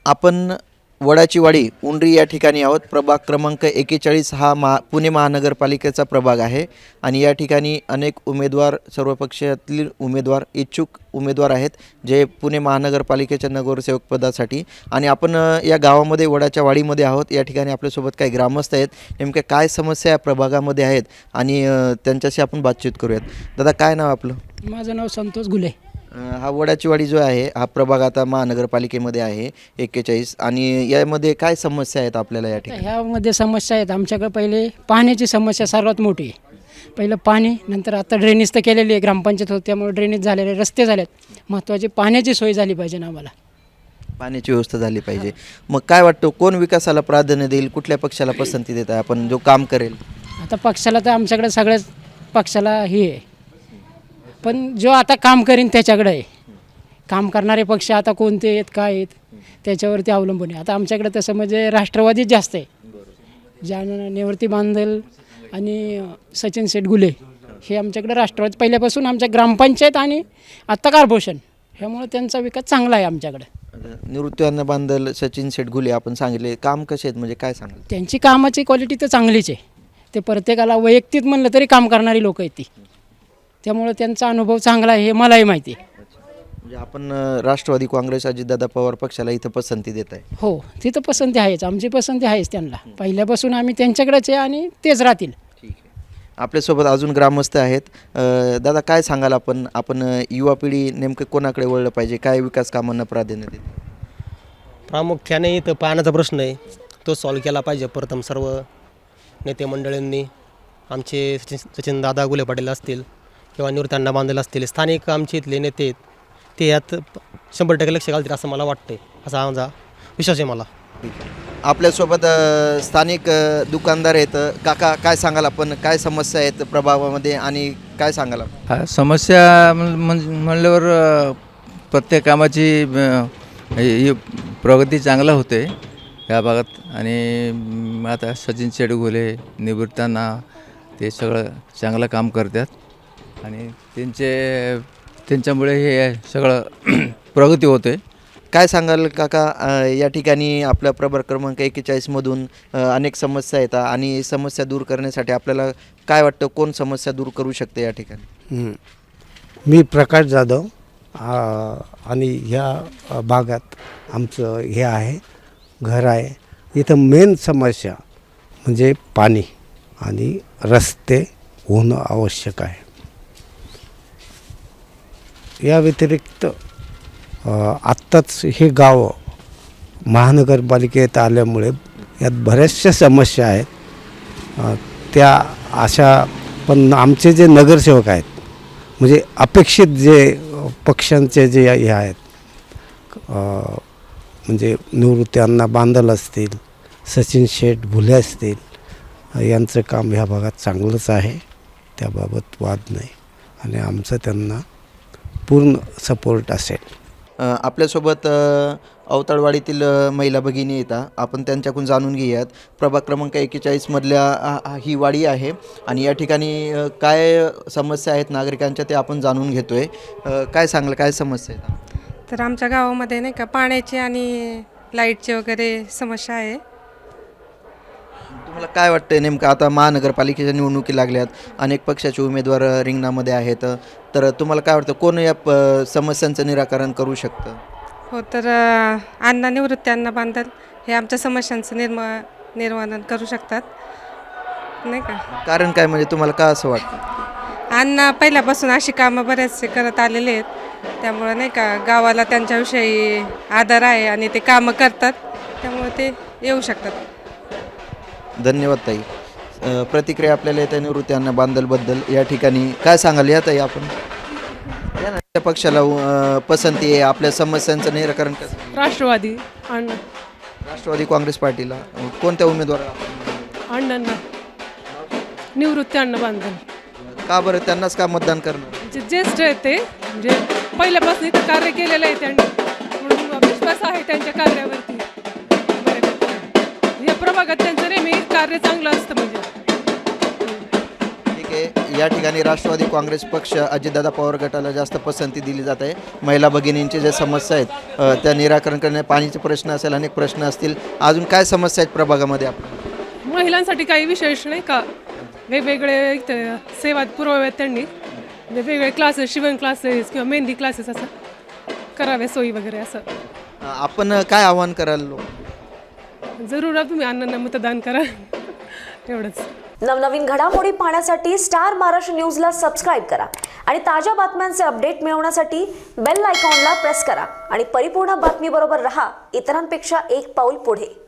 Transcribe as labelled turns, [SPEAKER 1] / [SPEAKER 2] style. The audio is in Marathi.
[SPEAKER 1] आपण वडाची वाडी उंडरी या ठिकाणी आहोत. प्रभाग क्रमांक 41 हा पुणे महानगरपालिकेचा प्रभाग आहे आणि या ठिकाणी अनेक उमेदवार, सर्व पक्षातील उमेदवार, इच्छुक उमेदवार आहेत जे पुणे महानगरपालिकेच्या नगरसेवक पदासाठी. आणि आपण या गावामध्ये वडाच्या वाडीमध्ये आहोत. या ठिकाणी आपल्यासोबत काही ग्रामस्थ आहेत. नेमक्या काय समस्या या प्रभागामध्ये आहेत आणि त्यांच्याशी आपण बातचीत करूयात. दादा, काय नाव आपलं?
[SPEAKER 2] माझं नाव संतोष घुले.
[SPEAKER 1] हा वडाची वाडी जो आहे हा प्रभाग आता महानगरपालिकेमध्ये आहे 41. आणि यामध्ये काय समस्या आहेत आपल्याला या ठिकाणी?
[SPEAKER 2] ह्यामध्ये समस्या आहेत. आमच्याकडे पहिले पाण्याची समस्या सर्वात मोठी आहे. पहिलं पाणी, नंतर आता ड्रेनेज तर केलेली आहे, ग्रामपंचायत होती त्यामुळे ड्रेनेज झालेले, रस्ते झालेत. महत्त्वाची पाण्याची सोय झाली पाहिजे ना आम्हाला.
[SPEAKER 1] पाण्याची व्यवस्था झाली पाहिजे. मग काय वाटतं, कोण विकासाला प्राधान्य देईल, कुठल्या पक्षाला पसंती देत आहे आपण, जो काम करेल?
[SPEAKER 2] आता पक्षाला तर आमच्याकडे सगळ्याच पक्षाला हे आहे, पण जो आता काम करीन त्याच्याकडे आहे. काम करणारे पक्ष आता कोणते आहेत, काय आहेत, त्याच्यावरती अवलंबून आहे. आता आमच्याकडे तसं म्हणजे राष्ट्रवादीच जास्त आहे. ज्यानं निवृत्ती बांधल आणि सचिन शेठ घुले हे आमच्याकडे राष्ट्रवादी पहिल्यापासून, आमच्या ग्रामपंचायत आणि आत्ता कॉर्पोरेशन, ह्यामुळे त्यांचा विकास चांगला आहे आमच्याकडे.
[SPEAKER 1] निवृत्ती बांधल, सचिन शेठ घुले आपण सांगितले, काम कसे आहेत म्हणजे काय सांगाल?
[SPEAKER 2] त्यांची कामाची क्वालिटी तर चांगलीच आहे. ते प्रत्येकाला वैयक्तिक म्हणलं तरी काम करणारी लोकं आहेत ती, त्यामुळे त्यांचा अनुभव चांगला आहे हे मलाही माहिती आहे.
[SPEAKER 1] म्हणजे आपण राष्ट्रवादी काँग्रेस अजितदादा पवार पक्षाला इथं पसंती देत आहे?
[SPEAKER 2] हो, तिथं पसंती आहेच, आमची पसंती आहेच त्यांना. पहिल्यापासून आम्ही त्यांच्याकडेच आहे आणि तेच राहतील.
[SPEAKER 1] ठीक आहे. आपल्यासोबत अजून ग्रामस्थ आहेत. दादा, काय सांगाल आपण युवा पिढी नेमकं कोणाकडे वळलं पाहिजे, काय विकास कामांना प्राधान्य देते?
[SPEAKER 3] प्रामुख्याने इथं पाण्याचा प्रश्न आहे, तो सॉल्व केला पाहिजे. प्रथम सर्व नेते मंडळींनी, आमचे सचिन दादा घुले पाटील असतील किंवा निवृत्ती बांधल असतील, स्थानिक आमचे इथले नेते आहेत, ते यात 100% लक्ष घालतील असं मला वाटतं, असा माझा विश्वास आहे मला.
[SPEAKER 1] आपल्यासोबत स्थानिक दुकानदार आहेत. काका, काय सांगाल आपण, काय समस्या आहेत प्रभागामध्ये आणि काय सांगाल?
[SPEAKER 4] हा, समस्या म्हणल्यावर प्रत्येक कामाची ही प्रगती चांगला होते या भागात. आणि आता सचिन शेठ घुले, निवृत्तांना, ते सगळं चांगलं काम करतात आणि त्यांच्यामुळे हे सगळं प्रगती होते.
[SPEAKER 1] काय सांगाल काका, या ठिकाणी आपल्या प्रभाग क्रमांक 41मधून अनेक समस्या येतात आणि समस्या दूर करण्यासाठी आपल्याला काय वाटतं, कोण समस्या दूर करू शकते या ठिकाणी?
[SPEAKER 5] मी प्रकाश जाधव आणि ह्या भागात आमचं हे आहे, घर आहे. इथं मेन समस्या म्हणजे पाणी आणि रस्ते होणं आवश्यक आहे. या व्यतिरिक्त आत्ताच हे गाव महानगरपालिकेत आल्यामुळे यात बऱ्याचशा समस्या आहेत. त्या अशा, पण आमचे जे नगरसेवक आहेत, म्हणजे अपेक्षित जे पक्षांचे जे हे आहेत, म्हणजे निवृत्ती बांधल असतील, सचिन शेठ घुले असतील, यांचं काम ह्या भागात चांगलंच आहे, त्याबाबत वाद नाही आणि आमचं त्यांना पूर्ण सपोर्ट असेल.
[SPEAKER 1] आपल्यासोबत अवताळवाडीतील महिला भगिनी येतात, आपण त्यांच्याकडून जाणून घेऊयात. प्रभाग क्रमांक 41मधल्या ही वाडी आहे आणि या ठिकाणी काय समस्या आहेत नागरिकांच्या ते आपण जाणून घेतो आहे. काय सांगलं, काय समस्या आहेत?
[SPEAKER 6] तर आमच्या गावामध्ये नाही का पाण्याची आणि लाईटची वगैरे समस्या आहे.
[SPEAKER 1] तुम्हाला काय वाटतं नेमकं, आता महानगरपालिकेच्या निवडणुकी लागल्यात, अनेक पक्षाचे उमेदवार रिंगणामध्ये आहेत, तर तुम्हाला काय वाटतं, कोण या समस्यांचं निराकरण करू शकतं?
[SPEAKER 6] हो, तर निवृत्ती बांधल हे आमच्या समस्यांचं निर्माण करू शकतात नाही का.
[SPEAKER 1] कारण काय, म्हणजे तुम्हाला का असं वाटतं?
[SPEAKER 6] अण्णा पहिल्यापासून अशी कामं बरेचसे करत आलेले आहेत, त्यामुळं नाही का गावाला त्यांच्याविषयी आदर आहे आणि ते कामं करतात, त्यामुळे ते येऊ शकतात.
[SPEAKER 1] धन्यवाद ताई. प्रतिक्रिया आपल्याला येत्या निवृत्ती बांधलबद्दल या ठिकाणी काय सांगाल? या ताई, आपण या ना, त्या पक्षाला पसंती आहे, आपल्या समस्यांचं निराकरण कसं?
[SPEAKER 7] राष्ट्रवादी अण्णा.
[SPEAKER 1] राष्ट्रवादी काँग्रेस पार्टीला कोणत्या उमेदवार?
[SPEAKER 7] अण्णांना, निवृत्ती बांधल.
[SPEAKER 1] का बरं त्यांनाच का मतदान करणार?
[SPEAKER 7] जे ज्येष्ठ आहेत ते, म्हणजे पहिल्यापासून इथं कार्य केलेलं आहे त्यांनी, म्हणून विश्वास आहे त्यांच्या कार्यावरती. या प्रभागात त्यांचं नेहमी कार्य चांगलं असतं. म्हणजे
[SPEAKER 1] ठीक आहे. या ठिकाणी राष्ट्रवादी काँग्रेस पक्ष अजितदादा पवार गटाला जास्त पसंती दिली जात आहे. महिला भगिनींचे जे समस्या आहेत त्या निराकरण करणे, पाणीचे प्रश्न असेल, अनेक प्रश्न असतील. अजून काय समस्या आहेत प्रभागामध्ये आपण?
[SPEAKER 7] महिलांसाठी काही विशेष नाही का, वेगवेगळे इथं सेवा पुरवाव्यात त्यांनी, वेगवेगळे क्लासेस, शिवण क्लासेस किंवा मेहंदी क्लासेस असं करावे, सोयी वगैरे असं.
[SPEAKER 1] आपण काय आव्हान कराल?
[SPEAKER 7] जरूर तुम्ही अण्णांना मतदान करा, एवढंच.
[SPEAKER 8] नवनवीन घडामोडी पाहण्यासाठी स्टार महाराष्ट्र न्यूजला सबस्क्राईब करा आणि ताज्या बातम्यांचे अपडेट मिळवण्यासाठी बेल आयकॉनला प्रेस करा आणि परिपूर्ण बातमीबरोबर रहा, इतरांपेक्षा एक पाऊल पुढे.